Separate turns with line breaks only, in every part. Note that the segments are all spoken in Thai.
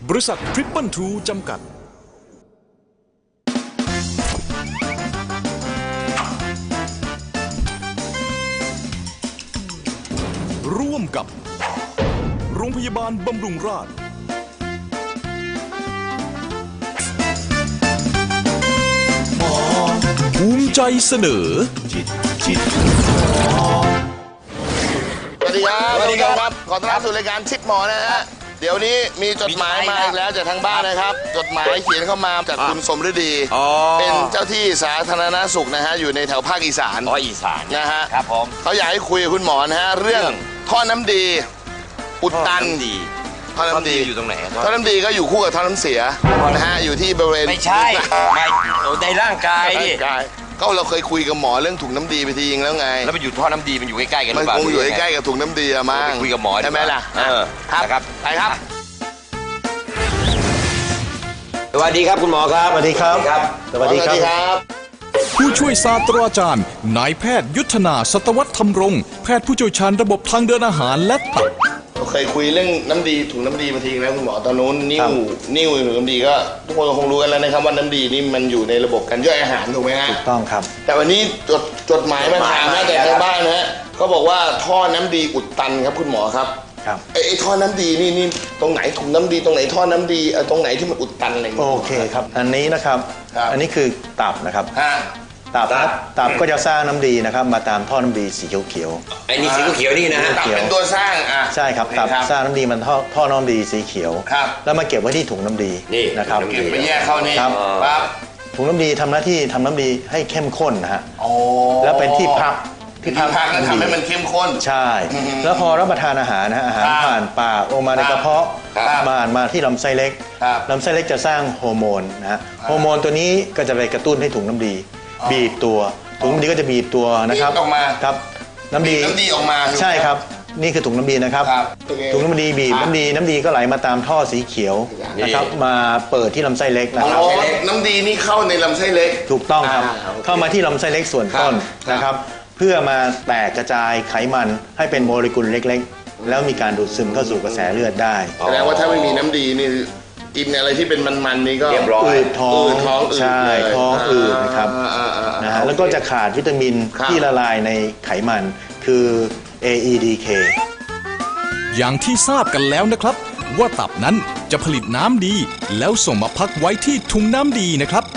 บริษัททริปเปิลทูจำกัดร่วมกับโรงพยาบาลบำรุงราษฎร์ภูมิใจเสนอ
สวัสดีครับสวัสดีครับขอต้อนรับสู่รายการชิดหมอนะฮะเดี๋ยวนี้มีจดหมายมาอีกแล้วจากทางบ้านนะครับจดหมายเขียนเข้ามาจากคุณสมฤดีเป็นเจ้าที่สาธารณสุขนะฮะอยู่ในแถวภาคอีสาน
อีสาน
นะฮะ
ครับผม
เขาอยากให้คุยกับคุณหมอนะฮะเรื่องท่อน้ำดีอุดตันท่อน้ำดี
อยู่ตรงไหน
ท่อน้ำดีก็อยู่คู่กับท่อน้ำเสียนะฮะอยู่ที่บริเวณ
ไม่ใช่ไม่ในร่างกายดิ
ก็เราเคยคุยกับหมอเรื่องถุงน้ำดีไปทีนึงแล้วไง
แล้วมันอยู่ท่อน้ำดีมันอยู่ใกล้ๆกันหรือเปล่า
มันคงอยู่ใกล้ๆกับถุงน้ำดีอะมั้ง
คุยกับหมอ
ใช่ไหมล่ะ
ครับ
ไปครับ
สวัสดีครับคุณหมอครับ
สวัสดีครับ
สวัสดีครับ
ผู้ช่วยศาสตราจารย์นายแพทย์ยุทธนาสัตวัฒน์ธรรมรงค์แพทย์ผู้เชี่ยวชาญระบบทางเดินอาหารและตับ
เราเคยคุยเรื่องน้ำดีถุงน้ำดีมาทีแล้วคุณหมอตอนนู้นนิ้วถุงน้ำดีก็ทุกคนคงรู้กันแล้วนะครับว่าน้ำดีนี่มันอยู่ในระบบการย่อยอาหารถูกไหมฮะ
ถูกต้องครับ
แต่วันนี้จดหมายมาถามมาจากทางบ้านนะฮะเขาบอกว่าท่อน้ำดีอุดตันครับคุณหมอครับไอ้ท่อน้ำดีนี่ตรงไหนถุงน้ำดีตรงไหนท่อน้ำดีตรงไหนที่มันอุดตันอะไรอย่างเงี้ย
โอเคครับอันนี้นะครับอันนี้คือตับนะครับตับก็จะสร้างน้ำดีนะครับมาตามท่อน้ำดีสีเขียว
ไอ้นี่สีเขียวนี่นะ
ตับเป็นตัวสร้าง
ใช่ครับตับสร้างน้ำดีมันท่อน้ำดีสีเขียวแล้วมาเก็บไว้ที่ถุงน้ำดีนะครับ
เก็บไปแยกเข้านี่ครับ
ถุงน้ำดีทำหน้าที่ทำน้ำดีให้เข้มข้นนะฮะแล้วเป็นที่พัก
แล้วทำให้มันเข้มข้น
ใช่แล้วพอรับประทานอาหารนะอาหารผ่านปากลงมาในกระเพาะมาที่ลำไส้เล็กลำไส้เล็กจะสร้างฮอร์โมนนะฮะฮอร์โมนตัวนี้ก็จะไปกระตุ้นให้ถุงน้ำดีบีบตัวถุงน้ำดีก็จะบีบตัวนะครับ
ออกมา
ครับน้ำดี
ออกมา
ใช่ครับนี่คือถุงน้ำดีนะครับถุงน้ำดีบีบน้ำดีก็ไหลมาตามท่อสีเขียวนะครับมาเปิดที่ลำไส้เล็กนะครับ
น้ำดีนี่เข้าในลำไส้เล็ก
ถูกต้องครับเข้ามาที่ลำไส้เล็กส่วนต้นนะครับเพื่อมาแตกกระจายไขมันให้เป็นโมเลกุลเล็กๆแล้วมีการดูดซึมเข้าสู่กระแสเลือดได้
แสดงว่าถ้าไม่มีน้ำดีนี่กินอะไรที่เป็นมันๆนี่ก็
อืดท้องใช่ท้องอืดนะครับนะฮะแล้วก็จะขาดวิตามินที่ละลายในไขมันคือ AEDK
อย่างที่ทราบกันแล้วนะครับว่าตับนั้นจะผลิตน้ำดีแล้วส่งมาพักไว้ที่ถุงน้ำดีนะครับ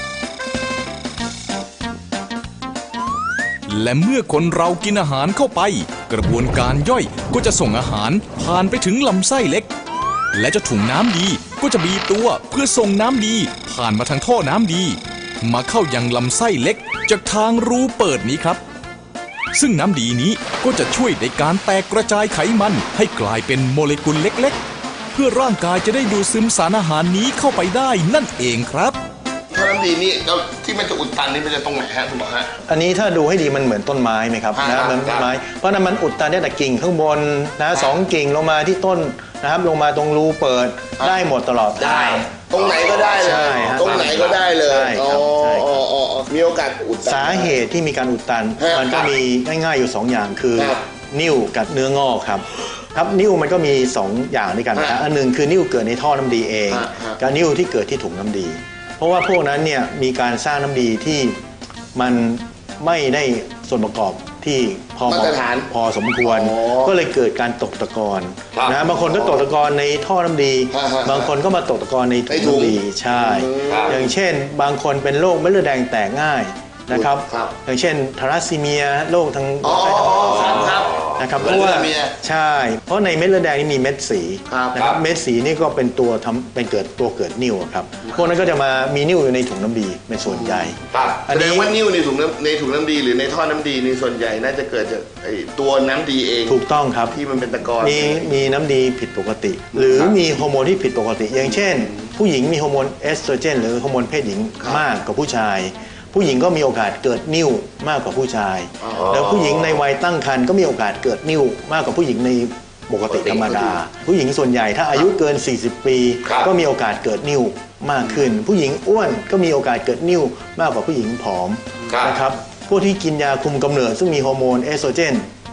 และเมื่อคนเรากินอาหารเข้าไปกระบวนการย่อยก็จะส่งอาหารผ่านไปถึงลำไส้เล็กและเจ้าถุงน้ำดีก็จะบีบตัวเพื่อส่งน้ำดีผ่านมาทางท่อน้ำดีมาเข้ายังลำไส้เล็กจากทางรูเปิดนี้ครับซึ่งน้ำดีนี้ก็จะช่วยในการแตกกระจายไขมันให้กลายเป็นโมเลกุลเล็กๆเพื่อร่างกายจะได้ดูดซึมสารอาหารนี้เข้าไปได้นั่นเองครับ
ท่อน้ำดีนี่แล้วที่มันจะอุดตันนี่มันจะตรงไหนฮะคุณหมอฮะ
อันนี้ถ้าดูให้ดีมันเหมือนต้นไม้ไหมครับนะเหมือนต้นไม้เพราะนั้นมันอุดตันได้แต่กิ่งข้างบนนะ2 กิ่งลงมาที่ต้นนะครับลงมาตรงรูเปิดได้หมดตลอด
ได้ตรงไหนก็ได้เลยตรงไหนก็ได้เลยมีโอกาสอุดตัน
สาเหตุที่มีการอุดตันมันก็มีง่ายๆอยู่2 อย่างคือนิ่วกับเนื้องอกครับนิ่วมันก็มี2 อย่างด้วยกันนะอันนึงคือนิ่วเกิดในท่อน้ำดีเองกับนิ่วที่เกิดที่ถุงน้ำดีเพราะว่าพวกนั้นเนี่ยมีการสร้างน้ำดีที่มันไม่ได้ส่วนประกอบที่พอสมควรก็เลยเกิดการตกตะกอนนะบางคนก็ตกตะกอนในท่อน้ำดีบางคนก็มาตกตะกอนในถุงน้ำดีใช่อย่างเช่นบางคนเป็นโรคเม็ดเลือดแดงแตกง่ายนะครับอย่างเช่นทาลัสซีเมียโรคทางนะครับเพราะว่าใช่เพราะในเม็ดเลือดแดงนี่มีเม็ดสีนะครับเม็ดสีนี่ก็เป็นตัวเกิดนิ่วครับพวกนั้นก็จะมามีนิ่วอยู่ในถุงน้ำดีเป็นส่วนใหญ่
แสดงว่านิ่วในถุงน้ำดีหรือในท่อน้ำดีในส่วนใหญ่น่าจะเกิดจากตัวน้ำดีเอง
ถูกต้องครับ
ที่มันเป็นตะกอน
มีน้ำดีผิดปกติหรือมีฮอร์โมนที่ผิดปกติอย่างเช่นผู้หญิงมีฮอร์โมนเอสโตรเจนหรือฮอร์โมนเพศหญิงมากกว่าผู้ชายผู้หญิงก็มีโอกาสเกิดนิ่วมากกว่าผู้ชายแล้วผู้หญิงในวัยตั้งครรภ์ก็มีโอกาสเกิดนิ่วมากกว่าผู้หญิงในปกติธรรมดาผู้หญิงส่วนใหญ่ถ้าอายุเกิน40 ปีก็มีโอกาสเกิดนิ่วมากขึ้นผู้หญิงอ้วนก็มีโอกาสเกิดนิ่วมากกว่าผู้หญิงผอมนะครับพวกที่กินยาคุมกำเนิดซึ่งมีฮอร์โมนเอสโตรเจน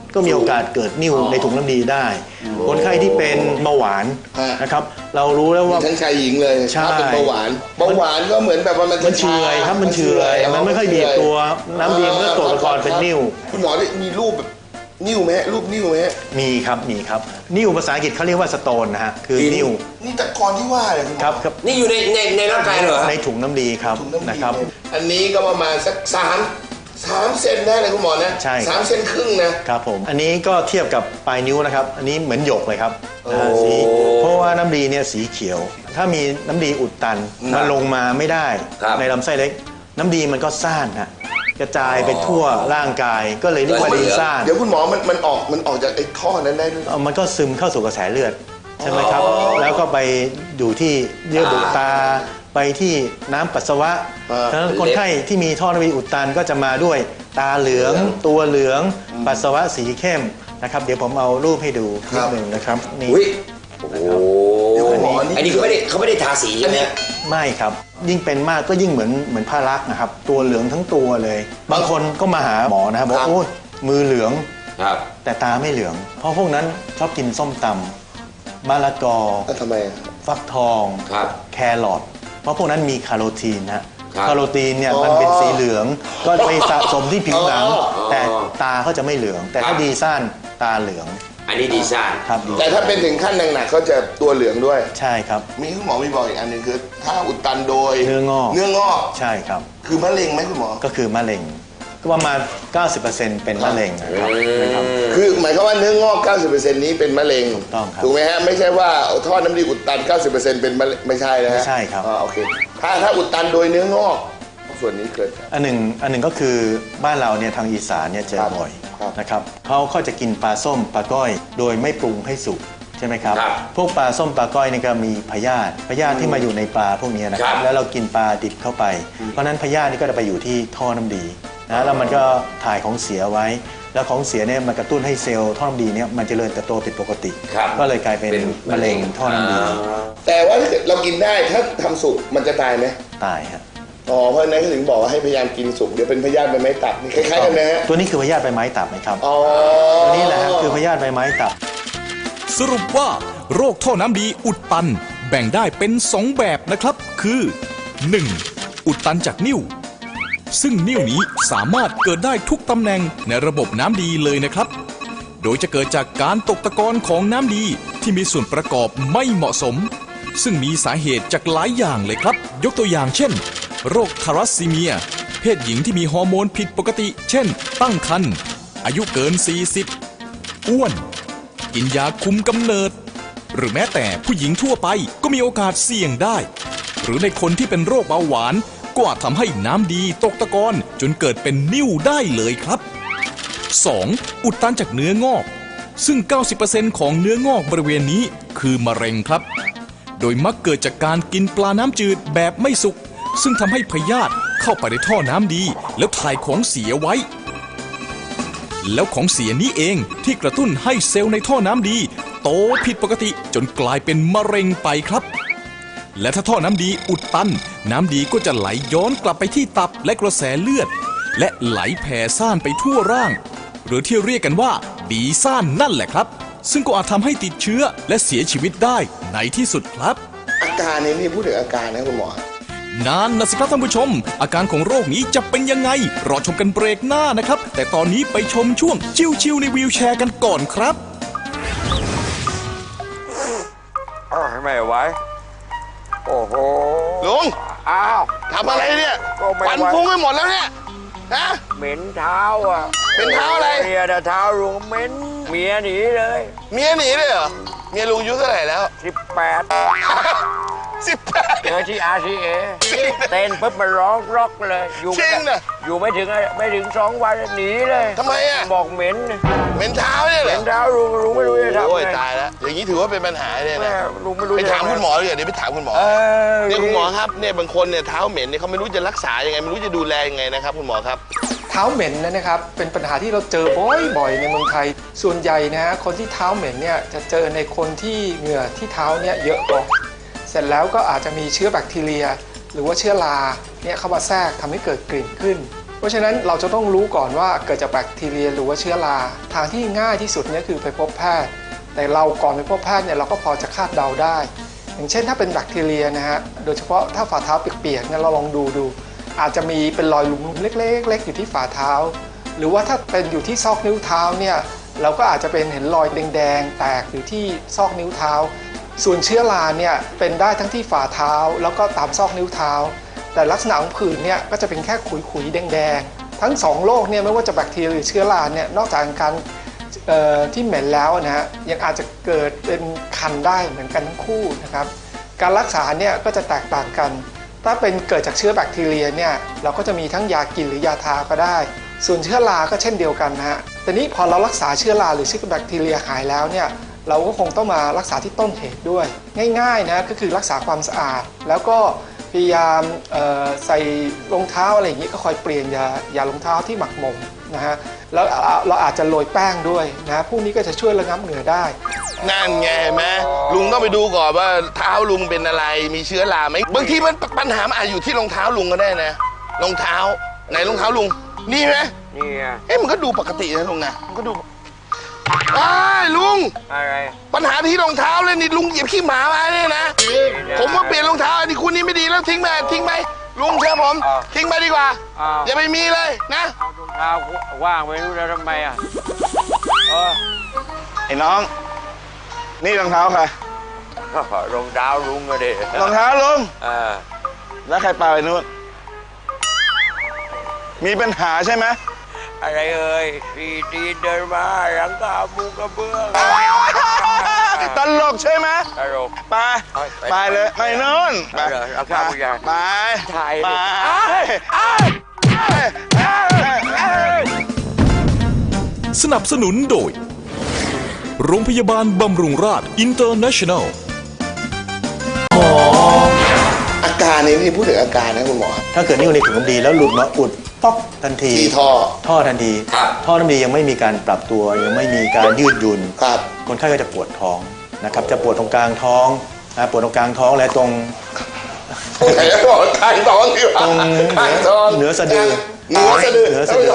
ก็มีโอกาสเกิดนิ่วในถุงน้ำดีได้ คนไข้ที่เป็นเบาหวานนะครับเรารู้แล้วว่า
ทั้งชายหญิงเลย
ใช่
ถ้าเป็นเบาหวานก็เหมือนแบบว่ามัน
เฉื่อยครับมันเฉื่อยมันไม่ค่อยบีบตัวน้ำดีมันก็ตกตะกอนเป็นนิ่ว
คุณหมอได้มีรูปแบบนิ่วไหมรูปนิ่วไหม
มีครับนิ่วภาษาอังกฤษเขาเรียกว่าสโตนนะฮะคือนิ่ว
นี่ตะกอนที่ว่าเลย
ครับ
นี่อยู่ในร่างกายเหรอ
ในถุงน้ำดีครับนะครับ
อันนี้ก็ประมาณสัก3 เซนได้เลยคุณหมอนะ
ใช่ครับ
3 เซนครึ่งนะครับ
ผมอันนี้ก็เทียบกับปลายนิ้วนะครับอันนี้เหมือนหยกเลยครับสีเพราะว่าน้ำดีเนี่ยสีเขียว ถ้ามีน้ำดีอุดตันมันลงมาไม่ได้ในลำไส้เล็ก น้ำดีมันก็ซ่านฮะกระจายไปทั่วร่างกายก็เลยเรียกว่าดีซ่าน
เดี๋ยวคุณหมอมันออกจากไอ้ท่อนั้นได้ด้วย
มันก็ซึมเข้าสู่กระแสเลือดใช่ไหมครับแล้วก็ไปอยู่ที่เยื่อบุตาไปที่น้ำปัสสาวะฉะนั้นคนไข้ที่มีท่อน้ำดีอุดตันก็จะมาด้วยตาเหลืองตัวเหลืองปัสสาวะสีเข้มนะครับเดี๋ยวผมเอารูปให้ดูนิดหนึ่งนะครับนี่
อุ้ยโอ้โหอันนี้เขาไม่ได้ทาสีใช่ไหม
ไม่ครับยิ่งเป็นมากก็ยิ่งเหมือนผ้ารักนะครับตัวเหลืองทั้งตัวเลย บางคนก็มาหาหมอนะครับบอกโอ้ยมือเหลืองแต่ตาไม่เหลือง เพราะพวกนั้นชอบกินส้มตำมะละกอ
ทำไม
ฟักทองแครอทเพราะพวกนั้นมีคาโรทีนนะคาโรทีนเนี่ยมันเป็นสีเหลืองก็ไปสะสมที่ผิวหนังแต่ตาเขาจะไม่เหลือง แต่ถ้าดีซ่านตาเหลือง
อันนี้ดีซ่าน
ครับ
แต่ถ้าเป็นถึงขั้นหนักๆเขาจะตัวเหลืองด้วย
ใช่ครับ
มีคุณหมอมีบอกอีกอันหนึ่งคือถ้าอุดตันโดย
เนื้องอก ใช่ครับ
คือมะเร็งไหมคุณหมอ
ก็คือมะเร็งก็ประมาณ 90% เป็นมะเร็งนะครับ
คือหมายความว่าเนื้องอก 90% นี้เป็นมะเร็ง
ถูกต้องครับ
ถูกไหมฮะไม่ใช่ว่าท่อน้ำดีอุดตัน 90% เป็นมะเร็งไม่ใช่นะฮะ
ไม่ใช่ครับ
โอเคถ้าอุดตันโดยเนื้องอกส่วนนี้เกิด
อันหนึ่งก็คือบ้านเราเนี่ยทางอีสานเนี่ยเจอบ่อยนะครับเขาจะกินปลาส้มปลาก้อยโดยไม่ปรุงให้สุกใช่ไหมครับพวกปลาส้มปลาก้อยนี่ก็มีพยาธิที่มาอยู่ในปลาพวกนี้นะครับแล้วเรากินปลาดิบเข้าไปเพราะนั้นพยาธินี่ก็จะไปอยู่ที่ท่อน้ำดีนะแล้วมันก็ถ่ายของเสียไว้แล้วของเสียเนี่ยมันกระตุ้นให้เซลล์ท่อน้ำดีเนี่ยมันเจริญเติบโตผิดปกติก็เลยกลายเป็นมะเร็งท่อน้ำดี
แต่ว่าถ้าเกิดเรากินได้ถ้าทำสุกมันจะตายไหม
ตายฮะ
เพราะฉะนั้นก็ถึงบอกว่าให้พยายามกินสุกเดี๋ยวเป็นพยาธิใบไม้ตับนี่คล้ายๆกันนะฮะ
ตัวนี้คือพยาธิใบไม้ตับไหมครับตัวนี้แหละคือพยาธิใบไม้ตับ
สรุปว่าโรคท่อน้ำดีอุดตันแบ่งได้เป็น2แบบนะครับคือ 1. อุดตันจากนิ่วซึ่งนิ่วนี้สามารถเกิดได้ทุกตำแหน่งในระบบน้ำดีเลยนะครับโดยจะเกิดจากการตกตะกอนของน้ำดีที่มีส่วนประกอบไม่เหมาะสมซึ่งมีสาเหตุจากหลายอย่างเลยครับยกตัวอย่างเช่นโรคทารัสซีเมียเพศหญิงที่มีฮอร์โมนผิดปกติเช่นตั้งครรภ์อายุเกิน 40อ้วนกินยาคุมกำเนิดหรือแม้แต่ผู้หญิงทั่วไปก็มีโอกาสเสี่ยงได้หรือในคนที่เป็นโรคเบาหวานก็อาจทำให้น้ำดีตกตะกอนจนเกิดเป็นนิ่วได้เลยครับ 2. อุดตันจากเนื้องอกซึ่ง 90% ของเนื้องอกบริเวณนี้คือมะเร็งครับโดยมักเกิดจากการกินปลาน้ำจืดแบบไม่สุกซึ่งทำให้พยาธิเข้าไปในท่อน้ำดีแล้วถ่ายของเสียไว้แล้วของเสียนี้เองที่กระตุ้นให้เซลล์ในท่อน้ำดีโตผิดปกติจนกลายเป็นมะเร็งไปครับและถ้าท่อน้ำดีอุดตันน้ำดีก็จะไหลย้อนกลับไปที่ตับและกระแสเลือดและไหลแผ่ซ่านไปทั่วร่างหรือที่เรียกกันว่าดีซ่านนั่นแหละครับซึ่งก็อาจทำให้ติดเชื้อและเสียชีวิตได้ในที่สุดครับ
อาการนี้นี่พูดถึงอาการนะคุณหมอ
นั่นนะสิครับท่านผู้ชมอาการของโรคนี้จะเป็นยังไงรอชมกันเบรกหน้านะครับแต่ตอนนี้ไปชมช่วงชิวๆในวีลแชร์กันก่อนครับ
ไม่ไหวโอ้โห
ลุง
อ้าว
ทำอะไรเนี่ยควันฟุ้งไปหมดแล้วเนี่ยฮะ
เหม็นเท้าอ่ะ
เป็นเท้าอะไร
เมียเท้าลุงเหม็นเมียหนีเลย
เมียหนีเลยเหรอเมียลุงอายุเท่าไหร่แล้ว
18เจอที่ RCA เต้นปุ๊บมันร้องร็อกเลยอยู่ไม่ถึง2 วันหนีเลย
ทำไมอ่ะ
บอกเหม็น
เท้าเนี่ยเหรอ
เหม็นเท้าลุงไม่รู้จะทำไง
โอ้ยตายแล้วอย่างนี้ถือว่าเป็นปัญหาเลยนะ
ลุงไม่รู้
ไปถามคุณหมอเลยเดี๋ยวไปถามคุณหมอเนี่ยคุณหมอครับเนี่ยบางคนเนี่ยเท้าเหม็นเนี่ยเขาไม่รู้จะรักษายังไงไม่รู้จะดูแลยังไงนะครับคุณหมอครับ
เท้าเหม็นนะครับเป็นปัญหาที่เราเจอบ่อยๆในเมืองไทยส่วนใหญ่นะฮะคนที่เท้าเหม็นเนี่ยจะเจอในคนที่เหงื่อที่เท้าเนี่ยเยอะก่อนเสร็จแล้วก็อาจจะมีเชื้อแบคทีเรียหรือว่าเชื้อราเนี่ยเข้ามาแทรกทำให้เกิดกลิ่นขึ้นเพราะฉะนั้นเราจะต้องรู้ก่อนว่าเกิดจากแบคทีเรียหรือว่าเชื้อราทางที่ง่ายที่สุดเนี่ยคือไปพบแพทย์แต่เราก่อนไปพบแพทย์เนี่ยเราก็พอจะคาดเดาได้ อย่างเช่นถ้าเป็นแบคทีเรียนะฮะโดยเฉพาะถ้าฝ่าเท้าเปียกๆเนี่ยเราลองดูอาจจะมีเป็นรอยหลุมเล็กๆอยู่ที่ฝ่าเท้าหรือว่าถ้าเป็นอยู่ที่ซอกนิ้วเท้าเนี่ยเราก็อาจจะเป็นเห็นรอยแดงๆแตกอยู่ที่ซอกนิ้วเท้าส่วนเชื้อราเนี่ยเป็นได้ทั้งที่ฝ่าเท้าแล้วก็ตามซอกนิ้วเท้าแต่ลักษณะของผื่นเนี่ยก็จะเป็นแค่ขุยๆแดงๆทั้ง2โรคเนี่ยไม่ว่าจะแบคทีเรียหรือเชื้อราเนี่ยนอกจากการที่เหม็นแล้วนะฮะยังอาจจะเกิดเป็นคันได้เหมือนกันทั้งคู่นะครับการรักษาเนี่ยก็จะแตกต่างกันถ้าเป็นเกิดจากเชื้อแบคทีเรียเนี่ยเราก็จะมีทั้งยากินหรือยาทาก็ได้ส่วนเชื้อราก็เช่นเดียวกันนะฮะแต่นี้พอเรารักษาเชื้อราหรือเชื้อแบคทีเรียหายแล้วเนี่ยเราก็คงต้องมารักษาที่ต้นเหตุด้วยง่ายๆนะก็คือรักษาความสะอาดแล้วก็พยายามใส่รองเท้าอะไรอย่างนี้ก็คอยเปลี่ยนยารองเท้าที่หมักหมมนะฮะแล้วเราอาจจะโรยแป้งด้วยนะพวกนี้ก็จะช่วยระงับเหงื่อได้
นั่นไงเห็นไหมลุงต้องไปดูก่อนว่าเท้าลุงเป็นอะไรมีเชื้อราไหมบางทีมันปัญหาอาจอยู่ที่รองเท้าลุงก็ได้นะรองเท้าไหนรองเท้าลุงนี่ไหม
นี่ไง
มันก็ดูปกตินะลุงนะมันก็ดูลุง
อะไร
ปัญหาที่รองเท้าเลยนี่ลุงเหยียบขี้หมามาเนี่ยนะผมว่าเปลี่ยนรองเท้าอันนี้คุณนี่ไม่ดีแล้วทิ้งไปลุงเชื่อผมทิ้งไปดีกว่าอย่าไปมีเลยนะ
รองเท้าว่างไปรู้แล้วทำไม
ไอ้น้องนี่รองเท้าใคร
รองเท้าลุงอะดิ
รองเท้าลุงแล้วใครปาไปนู่นมีปัญหาใช่ไหม
อะไรพี่ตีเดินมาหลังกามุงกระเบื้อง
ตลกใช่ไหม
ตลก
ไปเลยไปนู่น
ไปเอาข้าวผู้ใหญ่
ไป
สนับสนุนโดยโรงพยาบาลบำรุงราษฎร์อินเตอร์เนชั่นแนล
อาการนี้ที่พูดถึงอาการนะคุณหมอ
ถ้าเกิดนิ้วในถุงน้ำดีแล้วหลุดมาอุดป๊อกทันที
ที่
ท่อทันทีท่อน้ำดียังไม่มีการปรับตัวยังไม่มีการยืดหยุ่นคนไข้ก็จะปวดท้องนะครับจะปวดตรงกลางท้องปวดตรงกลางท้องและตรง
ไหนบอกกลางท้องที่ว่า
ตรงเหนือสะดือ
อะไรเราเหนือสะ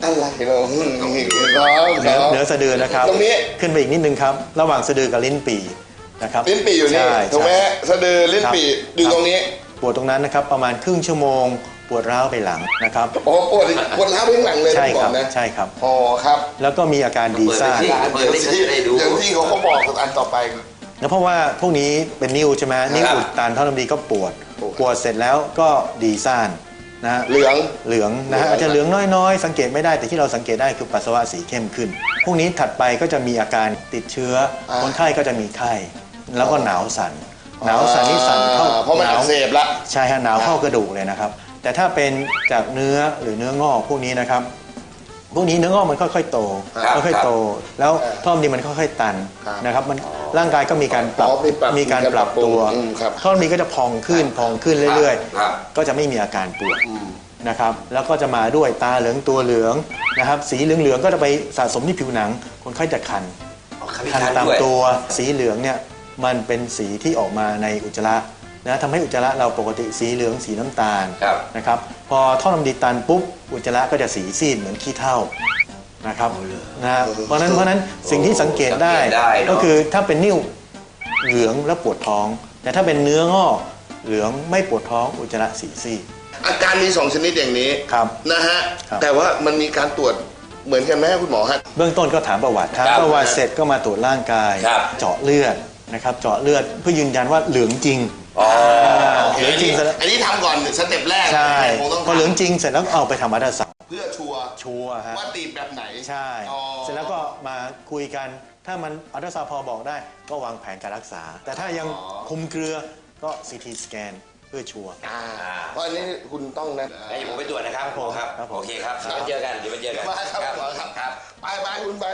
ดือนะครับ
ตรงนี้
ขึ้นไปอีกนิดนึงครับระหว่างสะดือกับลิ้นปี่นะครับ
ลิ้นปี่อยู่นี่ถูกไหมสะดือลิ้นปี่อยู่ตรงนี้
ปวดตรงนั้นนะครับประมาณครึ่งชั่วโมงปวดร้าวไปหลังนะครับ
ปวดร้าวไปหลังเลย
ใช่ครับใช่ครับ
ครับ
แล้วก็มีอาการดีซ่า
อย่างที่เขาบอกอันต่อไป
แล้วเพราะว่าพวกนี้เป็นนิ้วใช่ไหมนิ้วอุดตันท่อน้ำดีก็ปวดเสร็จแล้วก็ดีซ่านนะเหลืองนะฮะอาจจะเหลืองน้อยๆสังเกตไม่ได้แต่ที่เราสังเกตได้คือปัสสาวะสีเข้มขึ้นพวกนี้ถัดไปก็จะมีอาการติดเชื้อคนไข้ก็จะมีไข้แล้วก็หนาวสั่นนี่สั่นเข้า
เพราะมันอักเสบละ
ใช่ฮะหนาวเข้ากระดูกเลยนะครับแต่ถ้าเป็นจากเนื้อหรือเนื้องอกพวกนี้นะครับพวกนี้เนื้องอกมันค่อยๆโตแล้วท่อน้ำดีมันค่อยๆตันนะครับมันร่างกายก็มีการปรับตัวท่อน้ำดีก็จะพองขึ้นเรื่อยๆก็จะไม่มีอาการปวดนะครับแล้วก็จะมาด้วยตาเหลืองตัวเหลืองนะครับสีเหลืองๆก็จะไปสะสมที่ผิวหนังคนไข้จะคันตามตัวสีเหลืองเนี่ยมันเป็นสีที่ออกมาในอุจจาระนะทำให้อุจจาระเราปกติสีเหลืองสีน้ำตาลนะครับพอท่อน้ำดีตันปุ๊บอุจจาระก็จะสีซีดเหมือนขี้เถ้านะครับนะเพราะนั้นสิ่งที่สังเกตได้ก็คือถ้าเป็นนิ่วเหลืองแล้วปวดท้องแต่ถ้าเป็นเนื้องอกเหลืองไม่ปวดท้องอุจจาระสีซีด
อาการมี2ชนิดอย่างนี้นะฮะแต่ว่ามันมีการตรวจเหมือนกันไหมคุณหมอฮะ
เบื้องต้นก็ถามประวัติเสร็จก็มาตรวจร่างกายเจาะเลือดนะครับเจาะเลือดเพื่อยืนยันว่าเหลืองจริง
เหลืองจริงอันนี้ทำก่อนสเต็ปแรก
ใช่พอเหลืองจริงเสร็จแล้วเอาไปทำอัลตราซาวด์
เพื่อชัวร์ว่าตีบแบบไหน
ใช่เสร็จแล้วก็มาคุยกันถ้ามันอัลตราซาวด์พอบอกได้ก็วางแผนการรักษาแต่ถ้ายังคุมเกลือก็ซีทีสแกนเพื่อชัวร์
เพราะอันนี้คุณต้องนะ
ให้ผมไปตรวจนะครับโอเคครับเดี๋ยวไปเจอกัน
ครับไปคุณไป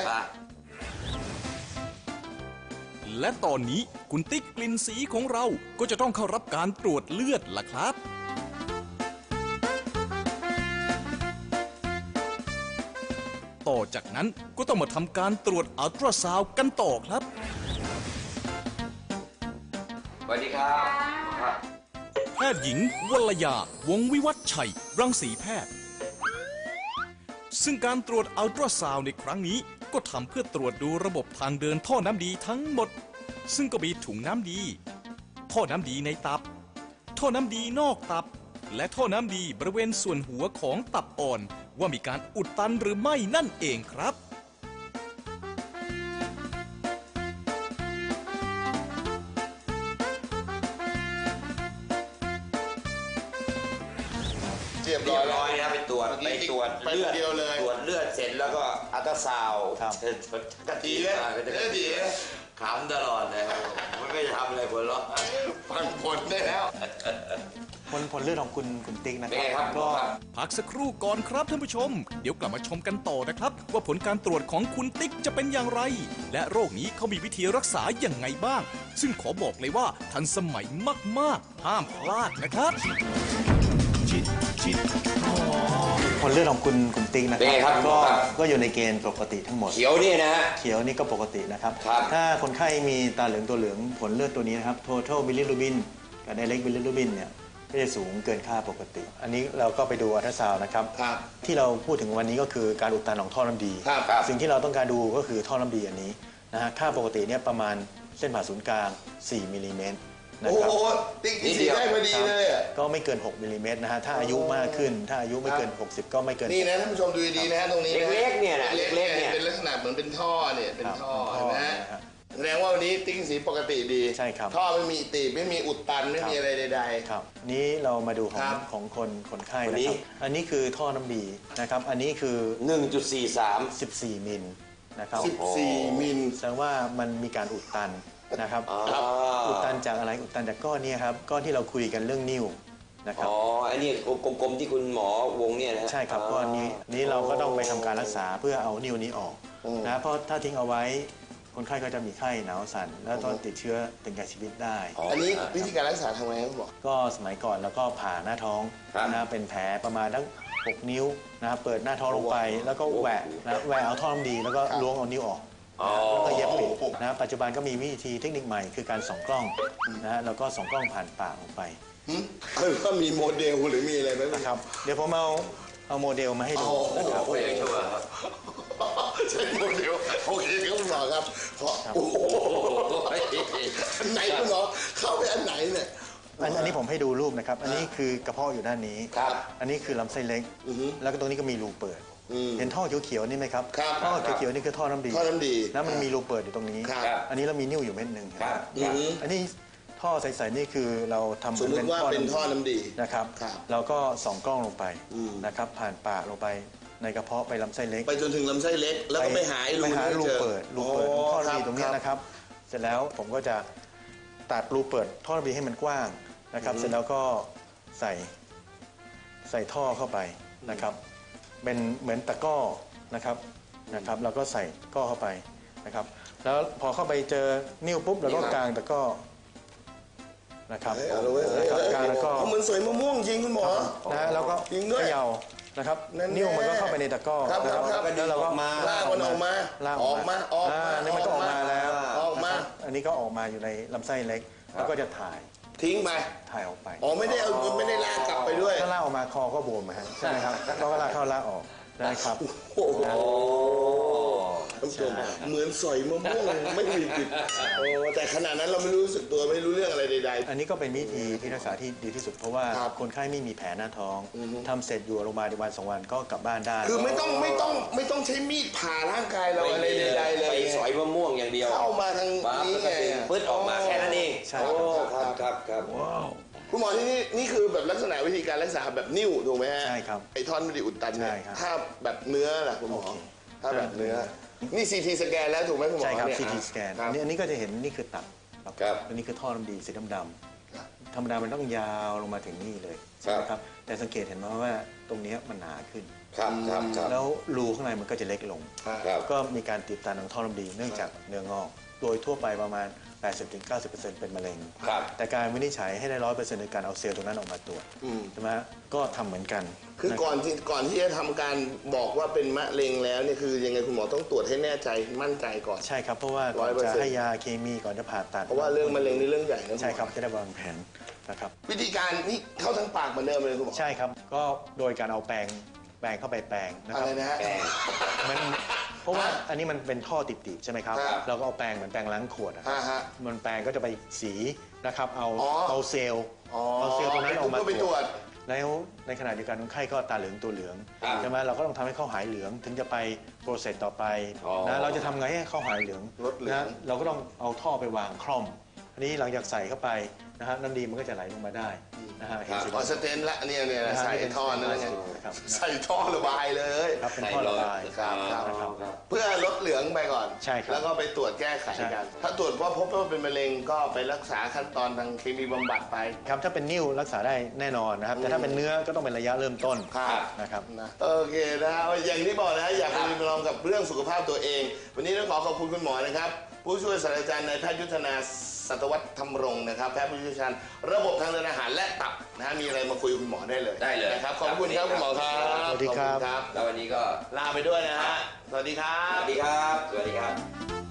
และตอนนี้คุณติ๊กกลิ่นสีของเราก็จะต้องเข้ารับการตรวจเลือดล่ะครับต่อจากนั้นก็ต้องมาทำการตรวจอัลตราซาวด์กันต่อครับ
สวัสดีครับ
แพทย์หญิงวรยาวงศ์วิวัฒน์ชัยรังสีแพทย์ซึ่งการตรวจอัลตราซาวด์ในครั้งนี้ก็ทำเพื่อตรวจดูระบบทางเดินท่อน้ำดีทั้งหมด ซึ่งก็มีถุงน้ำดี ท่อน้ำดีในตับ ท่อน้ำดีนอกตับ และท่อน้ำดีบริเวณส่วนหัวของตับอ่อน ว่ามีการอุดตันหรือไม่นั่นเองครับ
เรียบ
เรี
ร้
ย
อย
บ
แล้ว
ร้อยนะไปตรวจ
เมื่อกี้
เลือด
ไปคนเดียวเลย
ตรวจเลือดเสร็จแล้วก็อัลตราซาวด์
ครับ
กะทิ
ดีเลยดี
ขำตลอดเลยครับมันไม่จะทำอะไรผลหรอก
ฟังผลได้แล้ว
ผลเลือดของคุณติ๊กนะ
เป็น
ค
ไงค
รั
รั
บบ
หมอครับ
พักสักครู่ก่อนครับท่านผู้ชม เดี๋ยวกลับมาชมกันต่อนะครับ ว่าผลการตรวจของคุณติ๊กจะเป็นอย่างไร และโรคนี้เขามีวิธีรักษาอย่างไงบ้าง ซึ่งขอบอกเลยว่าทันสมัยมากๆ ห้ามพลาดนะครับ
ผลเลือดของคุณติ๊กนะ
เป็นไงครับ
ก็
ครับ
ก็อยู่ในเกณฑ์ปกติทั้งหมด
เขียวเนี่ยนะฮะ
เขียวนี่ก็ปกตินะครับ
ครับ
ถ้าคนไข้มีตาเหลืองตัวเหลืองผลเลือดตัวนี้นะครับ total bilirubin กับ direct bilirubin เนี่ยก็จะสูงเกินค่าปกติ อันนี้เราก็ไปดูอัลตราซาวด์นะครับ
ครับ
ที่เราพูดถึงวันนี้ก็คือการอุดตันของท่อน้ำดี
ครับครับ
สิ่งที่เราต้องการดูก็คือท่อน้ำดีอันนี้นะฮะค่าปกติเนี่ยประมาณเส้นผ่าศูนย์กลาง 4 มิลลิเมตรนะ
โอ้
ครับ
โหติ๊กที่สีได้พอดีเลยอะ
ก็ไม่เกิน 6 มิลลิเมตรนะฮะถ้าอายุมากขึ้น ถ้าอายุไม่เกิน 60 ก็ไม่เกิน
นี่นะท่านผู้ชมดูดีๆนะฮะตรงนี้นะ
เล็กๆเนี่ยนะ
เล็กๆ
เล็กๆเนี่
เนี่ย ยเป็นลักษณะเหมือนเป็นท่อเนี่ยเป็นท่อ
ครับ
นะฮะ
ครับ
แสดงว่าวันนี้ติ๊กสีปกติดี
ใช่ครับ
ท่อไม่มีตีบไม่มีอุดตันไม่มีอะไรใด
ครับนี้เรามาดูขอ
ค
ง
รับ
ของคนไข้
วัน
นะ
นี้
ครับอันนี้คือท่อน้ำดีนะครับอันนี้คือ
1.43
14 มิลนะครับ
ๆ14 มิล
แสดงว่ามันมีการอุดตันนะครับ
ครับ
อุดตันจากอะไรอุดตันจากก้อนเนี้ครับก้อนที่เราคุยกันเรื่องนิ้วนะครับ
อ๋ออันนี้กลมๆที่คุณหมอวงเนี่ยนะฮะ
ใช่ครับก้อนนี้เราก็ต้องไปทำการรักษาเพื่อเอานิ้วนี้ออกนะเพราะถ้าทิ้งเอาไว้คนไข้ก็จะมีไข้หนาวสั่นแล้วต้องติดเชื้อถึงแก่ชีวิตได้
อันนี้วิธีการรักษาทำไงครับหมอ
ก็สมัยก่อนแล้วก็ผ่าหน้าท้อง
ครับ
นะเป็นแผลประมาณทั้ง6 นิ้วนะครับเปิดหน้าท้องลงไป แล้วก็แหวะนะแหวะเอาท่อน้ำดีแล้วก็ล้วงเอานิ้วออก
อ๋อ
แล้วก็เย็บปิดนะปัจจุบันก็มีวิธีเทคนิคใหม่คือการส่องกล้องนะฮะแล้วก็ส่องกล้องผ่านปากลงไป
คือว่ามีโมเดลหรือมีอะไรไหม
นะครับเดี๋ยวผมเอาโมเดลมาให้ดูนะครับ
โอ้ยยังชั่วครับ
ใช่โมเดลโอเคครับคุณหมอครับเพราะโอ้โหอันไหนคุณหมอเข้าไปอันไหนเนี่ย
อันนี้ผมให้ดูรูปนะครับ อันนี้คือกระเพาะอยู่ด้านนี้
ครับ
อันนี้คือลำไส้เล็ก แล้วก็ตรงนี้ก็มีรูเปิด เห็นท่อเขียวๆนี่ไหมครับ
ครับ
ท่อเขียวๆนี่คือท่อน้ำดี
ท่อน้ำดี
แล้วมันมีรูเปิดอยู่ตรงนี้
ครับ
อันนี้เรามีนิ้วอยู่เม็ดหนึ่ง
ครับ
อันนี้ท่อใสๆนี่คือเราทำ
สมมติว่าเป็นท่อน้ำดี
นะครับ
ครับ
เราก็ส่องกล้องลงไปนะครับ ผ่านปากลงไปในกระเพาะไปลำไส้เล็ก
ไปจนถึงลำไส้เล็ก แล้วก็ไปหาไอ้รู
ไปหา
นี้
รู
เจอ
เปิดของท่อน้ำดีตรงเนี้ยนะครับ เสร็จแล้วผมก็จะตัดรูเปิดท่อน้ำดีให้มันกว้างนะครับ เสร็จแล้วก็ใส่ท่อเข้าไปนะครับ เป็นเหมือนตะกร้อนะครับเราก็ใส่ตะกร้อเข้าไปนะครับ แล้วพอเข้าไปเจอนิ้วปุ๊บเราก็กางตะกร้อนะครับ
เอาเลยเว้ย
นะครับกางแล้วก็
เอาเหมือนสวยมะม่วงจริงคุณหมอ
นะแล้วก็
จริงด้วย
เขย่านะครับ
นั่นแน่
นิ้วมันก็เข้าไปในตะกร้อ
ครับ
นะครับ
ครับ
แล้วเราก็
ลากมันออกมา
ลาก
ออกมาออกมา
นี่มันก็ออกมาแล้ว
ออกมา
นะครับอันนี้ก็ออกมาอยู่ในลำไส้เล็ก แล้วก็จะถ่าย
ทิ้งไป
ออกไป
อ๋อไม่ได้เอาไม่ได้ลากกลับไปด้วย
ถ้าลากออกมาคอก็บวมนะฮะใช่ไหมครับก็ลากเข้าลากออกนะครับ
โอ้โหท่านผู้ชมเหมือนสอยมะม่วงไม่มีผิดโอ้แต่ขนาดนั้นเราไม่รู้สึกตัวไม่รู้เรื่องอะไรใด
อันนี้ก็เป็นวิธีที่รักษาที่ดีที่สุดเพราะว่า
ครับ
คนไข้ไม่มีแผลหน้าท้องทำเสร็จอยู่โรงพยาบาลในวัน2 วันก็กลับบ้านได้
ๆคือไม่ต้องใช้มีดผ่าร่างกายเราอะไรใดๆเลย
ไปสอยมะม่วงอย่างเดียว
เข้ามาทาง
ปั๊บ
นี้
แล้ว
ไง
ก็ดึงปึ๊ดออกมาแค่นั้นเอง
ใช่
โอ้ครับครับครับ
คุณหมอที่นี่คือแบบลักษณะวิธีการรักษาแบบนิ้วถูกไหมฮะ
ใช่ครับ
ไอ้ท่อนไม่ได้อุดตันเนี่
ใช่
ย
ครับ
ถ้าแบบเนื้อล่ะคุณหมอ
โอเค
ถ้าแบบเนื้อ นี่ซีทีสแกนแล้วถูกไหมคุณหมอ
ใช่ครับ
เนี่ย
CT สแกน
ครับ
อันนี้ก็จะเห็นนี่คือตับ
ครับ
อันนี้คือท่อน้ำดีสีดำ
ครับ
ๆธรรมดามันต้องยาวลงมาถึงนี่เลยใช่ไหมครับแต่สังเกตเห็นไหมว่าตรงเนี้ยมันหนาขึ้น
ครับครับครับ
แล้วรูข้างในมันก็จะเล็กลง
ครับ
ก็มีการตีบตันของท่อน้ำดีเนื่องจากเนื้องอกโดยทั่วไปประมาณ 80-90% เป็นมะเร็ง
ครับ
แต่การวินิจฉัยให้ได้ 100% ในการเอาเซลล์ตรงนั้นออกมาตรวจใช่ไหมฮะก็ทำเหมือนกัน
คือก่อนที่จะทำการบอกว่าเป็นมะเร็งแล้วเนี่ยคือยังไงคุณหมอต้องตรวจให้แน่ใจมั่นใจก่อน
ใช่ครับเพราะว่าก่อนจะ
100%
ให้ยาเคมีก่อนจะผ่าตัด
เพราะว่าเรื่องมะเร็งนี่เรื่องใหญ่นะ
ใช่ครับจะได้วางแผนนะครับ
วิธีการนี่เข้าทั้งปากเหมือนเดิมเลยคุณหมอ
ใช่ครับก็โดยการเอาแปรงแปรงเข้าไปแปรงนะค
อะ
รับ
ไรนะฮะ
มันเพราะว่าอันนี้มันเป็นท่อติดๆใช่ไหมครับ
ครับ
เราก็เอาแปรงเหมือนแปรงล้างขวดนะครับ
ฮะ
มันแปรงก็จะไปสีนะครับเอา
อ๋อ
เอาเซลล์
อ๋อ
เอาเซลล์ตรงนั้นออกมา
ก็ไปตรวจ
แล้วในขณะเดียวกันคนไข้ก็ตาเหลืองตัวเหลือง
ครับ
ใช่ไหมเราก็ต้องทำให้เขาหายเหลืองถึงจะไปโปรเซสต่อไป
อ๋อ
นะเราจะทำไงให้เขาหายเหลือง
ลดเหลือง
นะเราก็ต้องเอาท่อไปวางคล่อมอันนี้หลังจากใส่เข้าไปนะฮะน้ำดีมันก็จะไหลลงมาได้นะฮะเห็นสี
ออสเตนละเนี่ย
นะฮะ
ใส่
นี่เป็น
ท่อนั่นแหละ
ครับ
ใส่ท่อระบายเลย
ครับเป็นท่อระบาย
ครับครับ
นะครับ
เพื่อลดเหลืองไปก่อน
ใช่ครับ
แล้วก็ไปตรวจแก้ไข
ใช่
กัน ถ้าตรวจว่าพบว่าเป็นมะเร็งก็ไปรักษาขั้นตอนทางเคมีบำบัดไป
ครับถ้าเป็นนิ่วรักษาได้แน่นอนนะครับแต่ถ้าเป็นเนื้อก็ต้องเป็นระยะเริ่มต้น
ครับ
นะครับ
นะโอเคนะฮะอย่างที่บอกนะฮะอยากไปลองกับเรื่องสุขภาพตัวเอง วันนี้ต้องขอบคุณคุณหมอนะครับ ผู้ช่วยศาสตราจารย์นายแพทย์ยุทธนาสัตวัฒน์ธรรมรงค์นะครับแพทย์ผู้เชี่ยวชาญระบบทางเดินอาหารและตับนะฮะมีอะไรมาคุยกับคุณหมอได้เลย
ได้เลย
นะครับขอบคุณครับคุณหมอครับ
สวัสดีครับ
ขอณ
แล้ววันนี้ก็
ลาไปด้วยนะฮะสวัสดีครั
ส
บ
วัสดีครับ สวัสดีครับ